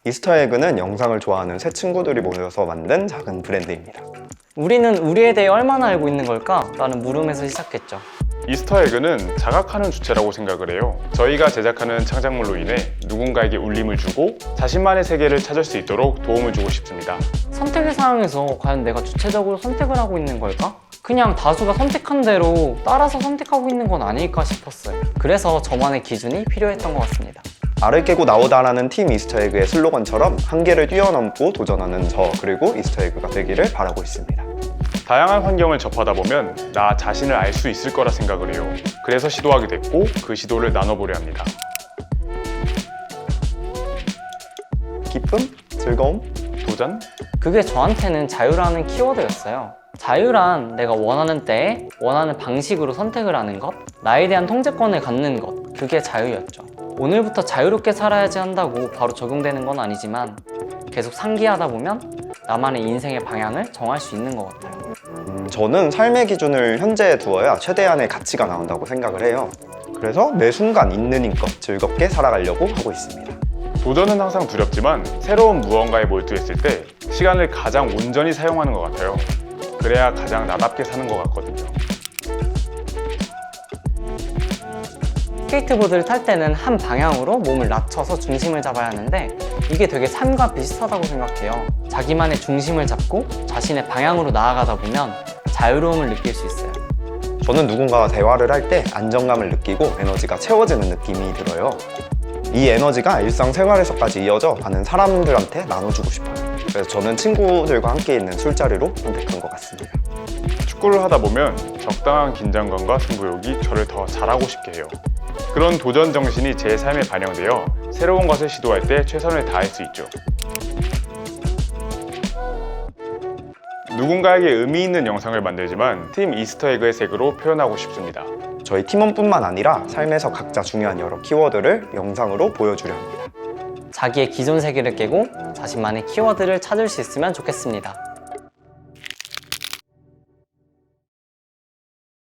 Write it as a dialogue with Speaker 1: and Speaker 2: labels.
Speaker 1: 이스터에그는 영상을 좋아하는 새 친구들이 모여서 만든 작은 브랜드입니다.
Speaker 2: 우리는 우리에 대해 얼마나 알고 있는 걸까? 라는 물음에서 시작했죠.
Speaker 3: 이스터에그는 자각하는 주체라고 생각을 해요. 저희가 제작하는 창작물로 인해 누군가에게 울림을 주고 자신만의 세계를 찾을 수 있도록 도움을 주고 싶습니다.
Speaker 2: 선택의 상황에서 과연 내가 주체적으로 선택을 하고 있는 걸까? 그냥 다수가 선택한 대로 따라서 선택하고 있는 건 아닐까 싶었어요. 그래서 저만의 기준이 필요했던 것 같습니다.
Speaker 1: 알을 깨고 나오다라는 팀 이스터에그의 슬로건처럼 한계를 뛰어넘고 도전하는 저 그리고 이스터에그가 되기를 바라고 있습니다.
Speaker 3: 다양한 환경을 접하다 보면 나 자신을 알 수 있을 거라 생각을 해요. 그래서 시도하게 됐고 그 시도를 나눠보려 합니다.
Speaker 1: 기쁨? 즐거움?
Speaker 3: 도전?
Speaker 2: 그게 저한테는 자유라는 키워드였어요. 자유란 내가 원하는 때에 원하는 방식으로 선택을 하는 것, 나에 대한 통제권을 갖는 것, 그게 자유였죠. 오늘부터 자유롭게 살아야지 한다고 바로 적용되는 건 아니지만 계속 상기하다 보면 나만의 인생의 방향을 정할 수 있는 것 같아요.
Speaker 1: 저는 삶의 기준을 현재에 두어야 최대한의 가치가 나온다고 생각을 해요. 그래서 매 순간 있는 힘껏 즐겁게 살아가려고 하고 있습니다.
Speaker 3: 도전은 항상 두렵지만 새로운 무언가에 몰두했을 때 시간을 가장 온전히 사용하는 것 같아요. 그래야 가장 나답게 사는 것 같거든요.
Speaker 2: 스케이트보드를 탈 때는 한 방향으로 몸을 낮춰서 중심을 잡아야 하는데 이게 되게 삶과 비슷하다고 생각해요. 자기만의 중심을 잡고 자신의 방향으로 나아가다 보면 자유로움을 느낄 수 있어요.
Speaker 1: 저는 누군가와 대화를 할 때 안정감을 느끼고 에너지가 채워지는 느낌이 들어요. 이 에너지가 일상생활에서까지 이어져 많은 사람들한테 나눠주고 싶어요. 그래서 저는 친구들과 함께 있는 술자리로 선택한 것 같습니다.
Speaker 3: 축구를 하다 보면 적당한 긴장감과 승부욕이 저를 더 잘하고 싶게 해요. 그런 도전 정신이 제 삶에 반영되어 새로운 것을 시도할 때 최선을 다할 수 있죠. 누군가에게 의미 있는 영상을 만들지만 팀 이스터에그의 색으로 표현하고 싶습니다.
Speaker 1: 저희 팀원뿐만 아니라 삶에서 각자 중요한 여러 키워드를 영상으로 보여주려 합니다.
Speaker 2: 자기의 기존 세계를 깨고 자신만의 키워드를 찾을 수 있으면 좋겠습니다.